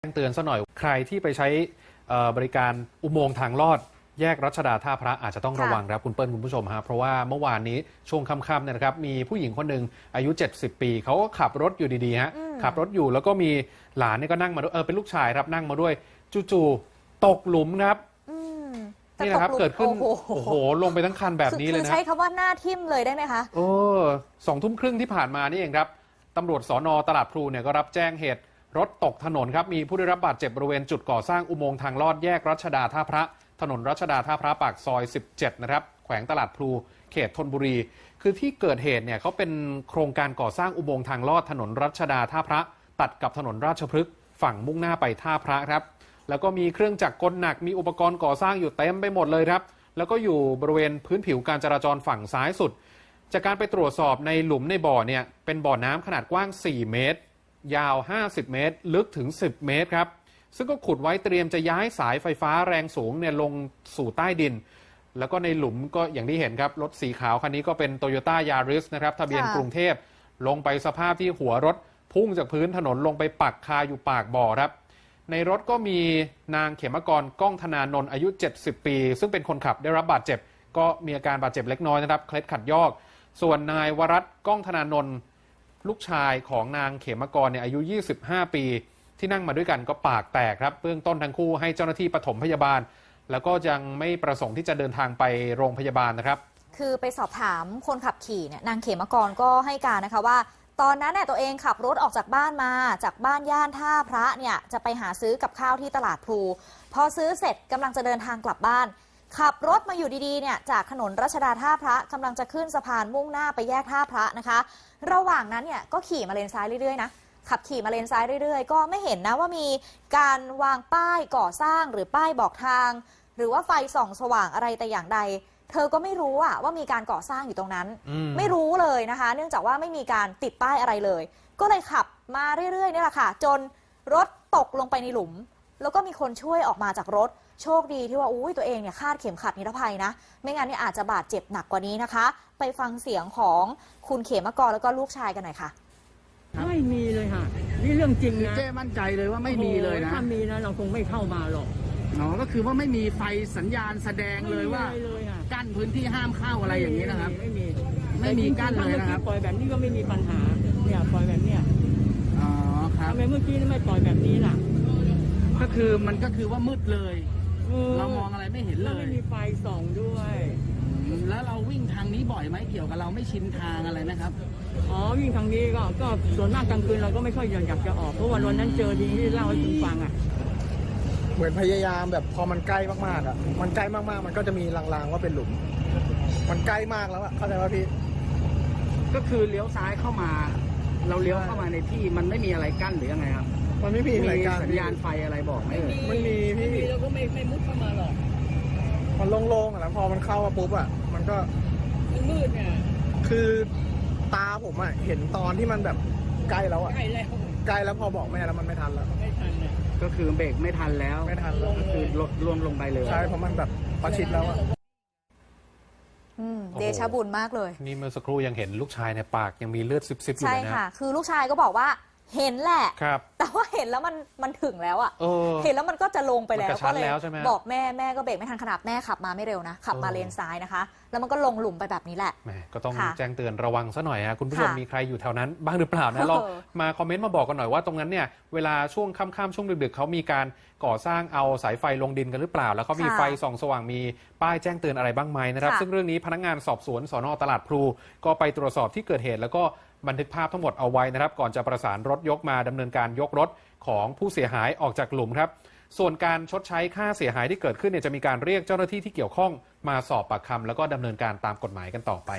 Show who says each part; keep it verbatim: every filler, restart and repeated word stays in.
Speaker 1: แจ้งเตือนซะหน่อยใครที่ไปใช้บริการอุโมงค์ทางลอดแยกรัชดาท่าพระอาจจะต้องระวังครับคุณเปิ้ลคุณผู้ชมฮะเพราะว่าเมื่อวานนี้ช่วงค่ำๆเนี่ยนะครับมีผู้หญิงคนหนึ่งอายุเจ็ดสิบปีเขาก็ขับรถอยู่ดีๆฮะขับรถอยู่แล้วก็มีหลานนี่ก็นั่งมาด้วยเออเป็นลูกชายครับนั่งมาด้วยจู่ๆตกหลุมครับนี่นะครับเกิดขึ้นโอ้โหลงไปทั้งคันแบบนี้เลยนะ
Speaker 2: คือใช้คำว่าหน้าทิ่มเลยได้ไหมคะ
Speaker 1: โอ้สองทุ่มครึ่งที่ผ่านมานี่เองครับตำรวจสน.ตลาดพลูเนี่ยก็รับแจ้งเหตุรถตกถนนครับมีผู้ได้รับบาดเจ็บบริเวณจุดก่อสร้างอุโมงค์ทางลอดแยกรัชดาท่าพระถนนรัชดาท่าพระปากซอยสิบเจ็ดนะครับแขวงตลาดพลูเขตธนบุรีคือที่เกิดเหตุเนี่ยเขาเป็นโครงการก่อสร้างอุโมงค์ทางลอดถนนรัชดาท่าพระตัดกับถนนราชพฤกษ์ฝั่งมุ่งหน้าไปท่าพระครับแล้วก็มีเครื่องจักรกลหนักมีอุปกรณ์ก่อสร้างอยู่เต็มไปหมดเลยครับแล้วก็อยู่บริเวณพื้นผิวการจราจรฝั่งซ้ายสุดจากการไปตรวจสอบในหลุมในบ่อเนี่ยเป็นบ่อน้ำขนาดกว้างสี่เมตรยาวห้าสิบเมตรลึกถึงสิบเมตรครับซึ่งก็ขุดไว้เตรียมจะย้ายสายไฟฟ้าแรงสูงเนี่ยลงสู่ใต้ดินแล้วก็ในหลุมก็อย่างที่เห็นครับรถสีขาวคันนี้ก็เป็น Toyota Yaris นะครับทะเบียนกรุงเทพลงไปสภาพที่หัวรถพุ่งจากพื้นถนนลงไปปักคาอยู่ปากบ่อครับในรถก็มีนางเขมกรก้องธนานนท์อายุเจ็ดสิบปีซึ่งเป็นคนขับได้รับบาดเจ็บก็มีอาการบาดเจ็บเล็กน้อยนะครับเคล็ดขัดยอกส่วนนายวรัตน์ก้องธนานนท์ลูกชายของนางเขมกรเนี่ยอายุยี่สิบห้าปีที่นั่งมาด้วยกันก็ปากแตกครับเบื้องต้นทั้งคู่ให้เจ้าหน้าที่ปฐมพยาบาลแล้วก็ยังไม่ประสงค์ที่จะเดินทางไปโรงพยาบาลนะครับ
Speaker 2: คือไปสอบถามคนขับขี่เนี่ยนางเขมกรก็ให้การนะคะว่าตอนนั้นเนี่ยตัวเองขับรถออกจากบ้านมาจากบ้านย่านท่าพระเนี่ยจะไปหาซื้อกับข้าวที่ตลาดพลูพอซื้อเสร็จกำลังจะเดินทางกลับบ้านขับรถมาอยู่ดีๆเนี่ยจากถนนรัชดาท่าพระกำลังจะขึ้นสะพานมุ่งหน้าไปแยกท่าพระนะคะระหว่างนั้นเนี่ยก็ขี่มาเลนซ้ายเรื่อยๆนะขับขี่มาเลนซ้ายเรื่อยๆก็ไม่เห็นนะว่ามีการวางป้ายก่อสร้างหรือป้ายบอกทางหรือว่าไฟส่องสว่างอะไรแต่อย่างใดเธอก็ไม่รู้อะว่ามีการก่อสร้างอยู่ตรงนั้นไม่รู้เลยนะคะเนื่องจากว่าไม่มีการติดป้ายอะไรเลยก็เลยขับมาเรื่อยๆนี่แหละค่ะจนรถตกลงไปในหลุมแล้วก็มีคนช่วยออกมาจากรถโชคดีที่ว่าอุ้ยตัวเองเนี่ยคาดเข็มขัดนิรภัยนะไม่งั้นเนี่ยอาจจะบาดเจ็บหนักกว่านี้นะคะไปฟังเสียงของคุณเขมกรแล้วก็ลูกชายกันหน่อยค่ะ
Speaker 3: ไม่มีเลยค่ะนี่เรื่องจริงนะ
Speaker 4: เจ้มั่นใจเลยว่าไม่มีเลยนะ
Speaker 3: ถ้ามีนะเราคงไม่เข้ามาหรอก
Speaker 4: อ๋อก็คือว่าไม่มีไฟสัญญาณแสดงเลยว่ากั้นพื้นที่ห้ามเข้าอะไรอย่างนี้นะครับ
Speaker 3: ไม่มี
Speaker 4: ไม่มีกั้นเลยนะครับ
Speaker 3: ปล่อยแบบนี้ก็ไม่มีปัญหาเนี่ยปล่อยแบบเนี้ย
Speaker 4: อ๋อครับ
Speaker 3: ทำไมเมื่อกี้ไม่ปล่อยแบบนี้ล่ะ
Speaker 4: ก็คือมันก็คือว่ามืดเลยเรามองอะไรไม่เห็นเลย
Speaker 3: ไม่มีไฟส่องด้วย
Speaker 4: แล้วเราวิ่งทางนี้บ่อยไหมเกี่ยวกับเราไม่ชินทางอะไรไหมครับ
Speaker 3: อ๋อวิ่งทางนี้ก็ก็ส่วนมากกลางคืนเราก็ไม่ค่อยอยากจะออกเพราะวันวันนั้นเจอทีที่เล่าให้คุณฟังอ่ะ
Speaker 5: เหมือนพยายามแบบพอมันใกล้มากๆอ่ะมันใกล้มากๆมันก็จะมีลางๆว่าเป็นหลุมมันใกล้มากแล้วอ่ะเข้าใจว่าพี่
Speaker 4: ก็คือเลี้ยวซ้ายเข้ามาเราเลี้ยวเข้ามาในที่มันไม่มีอะไรกั้นหรือยังไงครับ
Speaker 5: มันไม่มีอะไรกั้น
Speaker 4: สัญญาณไฟอะไรบอกไหม
Speaker 5: มันมีพี่
Speaker 3: เราก็ไม่ไม่มุดเข้ามาหรอก
Speaker 5: มันโล่งๆอ่ะแล้วพอมันเข้ามาปุ๊บอ่ะมันก็
Speaker 3: มืดเนี่ย
Speaker 5: คือตาผมอ่ะเห็นตอนที่มันแบบใกล้แล้วอ่ะ
Speaker 3: ใกล้แล้ว
Speaker 5: ใกล้แล้วพอบอกแม่แล้วมันไม่ทันแล้ว
Speaker 3: ไม่ทันเนี่ย
Speaker 4: ก็คือเบรกไม่ทันแล้ว
Speaker 5: ไม่ทันแล้ว
Speaker 4: ก็คือลดรวมลงไปเลย
Speaker 5: ใช่เพราะมันแบบประชิดแล้วอ่ะ
Speaker 2: เดชะบุญมากเลย
Speaker 1: นี่เมื่อสักครู่ยังเห็นลูกชายในปากยังมีเลือดซิบๆอยู่เลยนะ
Speaker 2: ใช่ค่ะคือลูกชายก็บอกว่าเห็นแหละแต่ว่าเห็นแล้วมันมันถึงแล้วอ่ะเห็นแล้วมันก็จะลงไปแล้วก็เลยบอกแม่แม่ก็เบรกไม่ทันขนาดแม่ขับมาไม่เร็วนะขับมาเลนซ้ายนะคะแล้วมันก็ลงหลุมไปแบบนี้แหละ
Speaker 1: แม่ก็ต้องแจ้งเตือนระวังซะหน่อยฮะคุณผู้ชมมีใครอยู่แถวนั้นบ้างหรือเปล่านะลองมาคอมเมนต์มาบอกกันหน่อยว่าตรงนั้นเนี่ยเวลาช่วงค่ำๆช่วงดึกๆเขามีการก่อสร้างเอาสายไฟลงดินกันหรือเปล่าแล้วเขามีไฟส่องสว่างมีป้ายแจ้งเตือนอะไรบ้างไหมนะครับซึ่งเรื่องนี้พนักงานสอบสวนสน.ตลาดพลูก็ไปตรวจสอบที่เกิดเหตุแล้วก็บันทึกภาพทั้งหมดเอาไว้นะครับก่อนจะประสานรถยกมาดำเนินการยกรถของผู้เสียหายออกจากหลุมครับส่วนการชดใช้ค่าเสียหายที่เกิดขึ้นเนี่ยจะมีการเรียกเจ้าหน้าที่ที่เกี่ยวข้องมาสอบปากคำแล้วก็ดำเนินการตามกฎหมายกันต่อไป